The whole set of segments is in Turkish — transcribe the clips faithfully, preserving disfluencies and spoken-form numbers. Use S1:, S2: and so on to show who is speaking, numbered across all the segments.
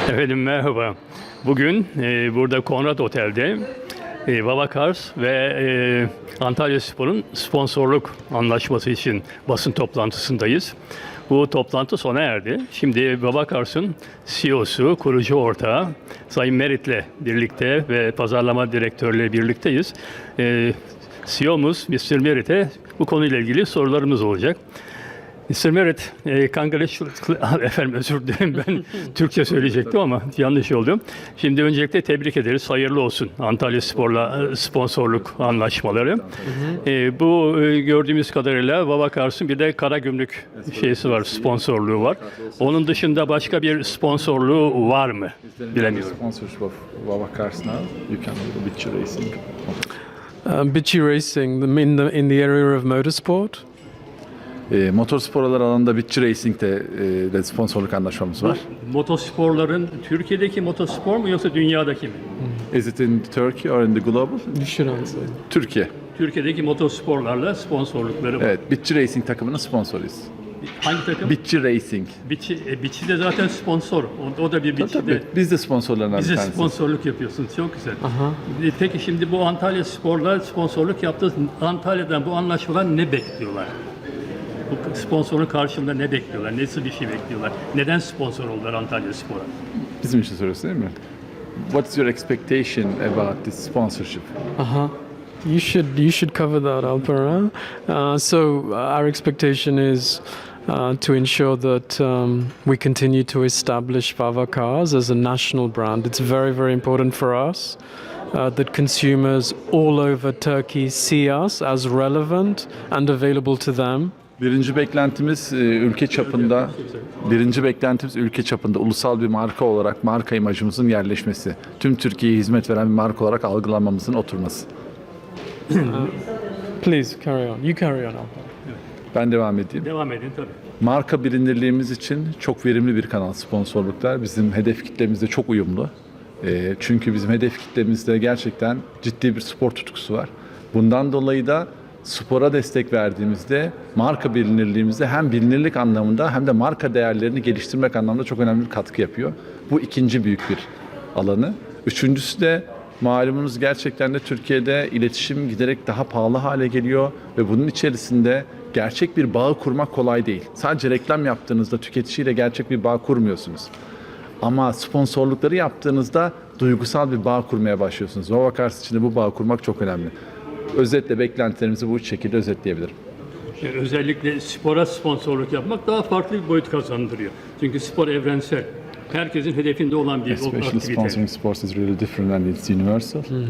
S1: Efendim merhaba. Bugün e, burada Konrad Otel'de e, Babakars ve e, Antalyaspor'un sponsorluk anlaşması için basın toplantısındayız. Bu toplantı sona erdi. Şimdi Babakars'ın C E O'su, kurucu ortağı Sayın Merit'le birlikte ve pazarlama direktörüyle birlikteyiz. E, C E O'muz mister Merit'e bu konuyla ilgili sorularımız olacak. mister Merit, e, congratulations, efendim özür dilerim ben Türkçe söyleyecektim ama yanlış oldu. Şimdi öncelikle tebrik ederiz, hayırlı olsun Antalyaspor'la sponsorluk anlaşmaları. Hı hı. E, bu e, gördüğümüz kadarıyla Babakars'ın bir de Karagümrük şeysi var, sponsorluğu var. Onun dışında başka bir sponsorluğu var mı? Bilemiyorum.
S2: Sponsorship of Babakars now. You can do the Bitchi Racing.
S3: Um, Bitchi Racing, the, in the in the area of motorsport.
S2: E, motorsporlar alanında Bitchi Racing'de e, de sponsorluk anlaşmamız var.
S1: Motosporların Türkiye'deki motospor mu yoksa dünyadaki mi?
S2: Is it in Turkey or in the global?
S3: You should answer.
S2: Türkiye.
S1: Türkiye'deki motosporlarla sponsorlukları var.
S2: Evet, Bitchi Racing takımının sponsoruyuz.
S1: Hangi takım?
S2: Bitchi Racing.
S1: Bitchi, e, Bitchi de zaten sponsor. O, o da bir Bitchi
S2: Tabii,
S1: de.
S2: biz de sponsorlarından bir
S1: Bize
S2: tanesiyiz.
S1: sponsorluk yapıyorsunuz. Çok güzel.
S3: Aha.
S1: E, Peki şimdi bu Antalya Spor'la sponsorluk yaptınız. Antalya'dan bu anlaşmadan ne bekliyorlar? Bu sponsorun karşılığında ne bekliyorlar? Nasıl bir şey bekliyorlar? Neden sponsor oldular Antalya Spor'a?
S2: Bizim için soruyorsun değil mi? What's your expectation about this sponsorship?
S3: Uh-huh. You should you should cover that, Alpera. Uh, so uh, our expectation is uh, to ensure that um, we continue to establish Babakars as a national brand. It's very very important for us uh, that consumers all over Turkey see us as relevant and available to them.
S2: Birinci beklentimiz e, ülke çapında, birinci beklentimiz ülke çapında ulusal bir marka olarak marka imajımızın yerleşmesi. Tüm Türkiye'ye hizmet veren bir marka olarak algılanmamızın oturması.
S3: Uh, please carry on. You carry on, Alpera.
S2: Ben devam edeyim.
S1: Devam edin tabii.
S2: Marka bilinirliğimiz için çok verimli bir kanal sponsorluklar. Bizim hedef kitlemizde çok uyumlu. E, çünkü bizim hedef kitlemizde gerçekten ciddi bir spor tutkusu var. Bundan dolayı da spora destek verdiğimizde marka bilinirliğimizde hem bilinirlik anlamında hem de marka değerlerini geliştirmek anlamında çok önemli bir katkı yapıyor. Bu ikinci büyük bir alanı. Üçüncüsü de malumunuz gerçekten de Türkiye'de iletişim giderek daha pahalı hale geliyor ve bunun içerisinde gerçek bir bağ kurmak kolay değil. Sadece reklam yaptığınızda tüketiciyle gerçek bir bağ kurmuyorsunuz. Ama sponsorlukları yaptığınızda duygusal bir bağ kurmaya başlıyorsunuz. Babakars için de bu bağ kurmak çok önemli. Özetle beklentilerimizi bu üç şekilde özetleyebilirim.
S1: Yani özellikle spora sponsorluk yapmak daha farklı bir boyut kazandırıyor. Çünkü spor evrensel. Herkesin hedefinde olan bir
S2: Especially
S1: aktivite.
S2: sponsoring sports is really different and it's universal.
S3: Hmm.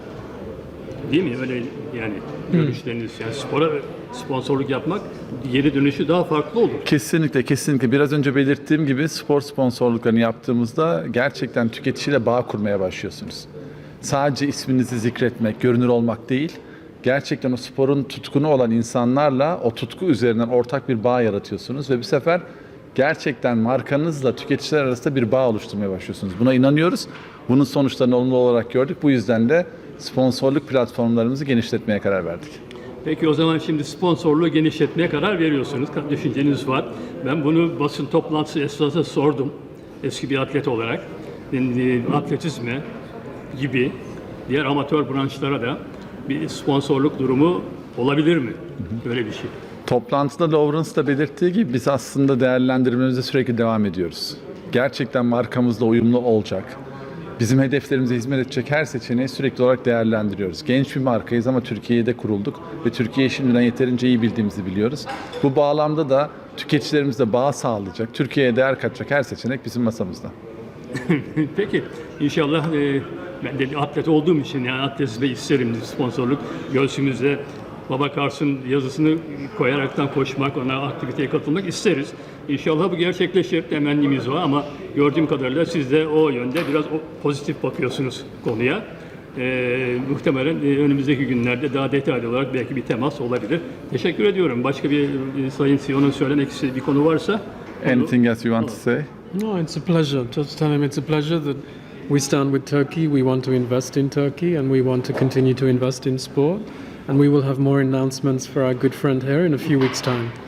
S1: Değil mi? Öyle yani görüşleriniz. Yani spora sponsorluk yapmak geri dönüşü daha farklı olur.
S2: Kesinlikle, kesinlikle. Biraz önce belirttiğim gibi spor sponsorluklarını yaptığımızda gerçekten tüketiciyle bağ kurmaya başlıyorsunuz. Sadece isminizi zikretmek, görünür olmak değil, gerçekten o sporun tutkunu olan insanlarla o tutku üzerinden ortak bir bağ yaratıyorsunuz ve bir sefer gerçekten markanızla tüketiciler arasında bir bağ oluşturmaya başlıyorsunuz. Buna inanıyoruz. Bunun sonuçlarını olumlu olarak gördük. Bu yüzden de sponsorluk platformlarımızı genişletmeye karar verdik.
S1: Peki o zaman şimdi sponsorluğu genişletmeye karar veriyorsunuz. Düşünceniz var. Ben bunu basın toplantısı esnasında sordum. Eski bir atlet olarak. Atletizme gibi diğer amatör branşlara da bir sponsorluk durumu olabilir mi? Böyle bir şey.
S2: Toplantıda Lawrence da belirttiği gibi biz aslında değerlendirmemize sürekli devam ediyoruz. Gerçekten markamızla uyumlu olacak, bizim hedeflerimize hizmet edecek her seçeneği sürekli olarak değerlendiriyoruz. Genç bir markayız ama Türkiye'de kurulduk ve Türkiye'yi şimdiden yeterince iyi bildiğimizi biliyoruz. Bu bağlamda da tüketicilerimizle bağ sağlayacak, Türkiye'ye değer katacak her seçenek bizim masamızda.
S1: Peki inşallah e, ben de atlet olduğum için yani atletizme isterim sponsorluk. Göğsümüzde Babakars'ın yazısını koyaraktan koşmak, ona aktiviteye katılmak isteriz. İnşallah bu gerçekleşir, temennimiz var ama gördüğüm kadarıyla siz de o yönde biraz pozitif bakıyorsunuz konuya. Ee, muhtemelen e, önümüzdeki günlerde daha detaylı olarak belki bir temas olabilir. Teşekkür ediyorum. Başka bir e, Sayın C E O'nun söylemek istediği bir konu varsa.
S2: Anything else you want to say?
S3: No, it's a pleasure. Just tell him it's a pleasure that we stand with Turkey. We want to invest in Turkey and we want to continue to invest in sport. And we will have more announcements for our good friend here in a few weeks' time.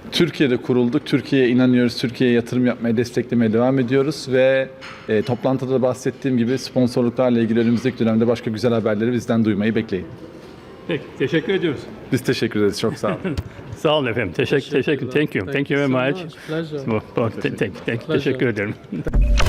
S2: Türkiye'de kurulduk. Türkiye'ye inanıyoruz. Türkiye'ye yatırım yapmaya, desteklemeye devam ediyoruz ve e, toplantıda da bahsettiğim gibi sponsorluklarla ilgili önümüzdeki dönemde başka güzel haberleri bizden duymayı bekleyin.
S1: Peki, teşekkür ediyoruz.
S2: Biz teşekkür ederiz. Çok sağ olun.
S1: Sağ olun efendim. Teşekkür, teşekkür. Thank you. Thank you very
S3: so
S1: much.
S3: Pleasure.
S1: Bu- bu- thank- thank- Teşekkür ederim.